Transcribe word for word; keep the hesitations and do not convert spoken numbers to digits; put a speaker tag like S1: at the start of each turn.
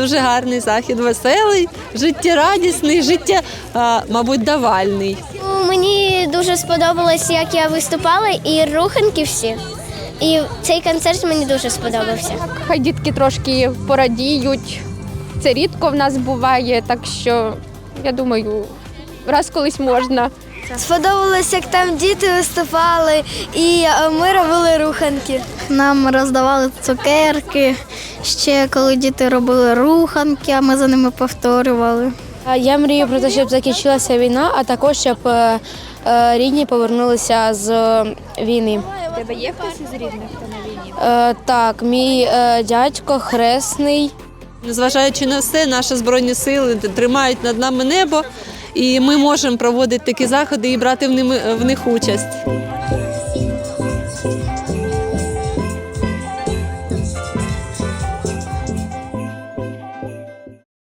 S1: дуже гарний захід, веселий, життєрадісний, життя, а, мабуть, давальний.
S2: Ну, мені дуже сподобалось, як я виступала, і руханки всі. І цей концерт мені дуже сподобався.
S3: Хай дітки трошки порадіють. Це рідко в нас буває, так що, я думаю, раз колись можна.
S2: Сподобалось, як там діти виступали, і ми робили руханки.
S4: Нам роздавали цукерки, ще коли діти робили руханки, а ми за ними повторювали.
S5: Я мрію про те, щоб закінчилася війна, а також щоб рідні повернулися з війни.
S3: У тебе є хтось із рідних, хто на війні?
S5: Так, мій дядько хресний.
S1: Незважаючи на все, наші Збройні сили тримають над нами небо, і ми можемо проводити такі заходи і брати в них участь.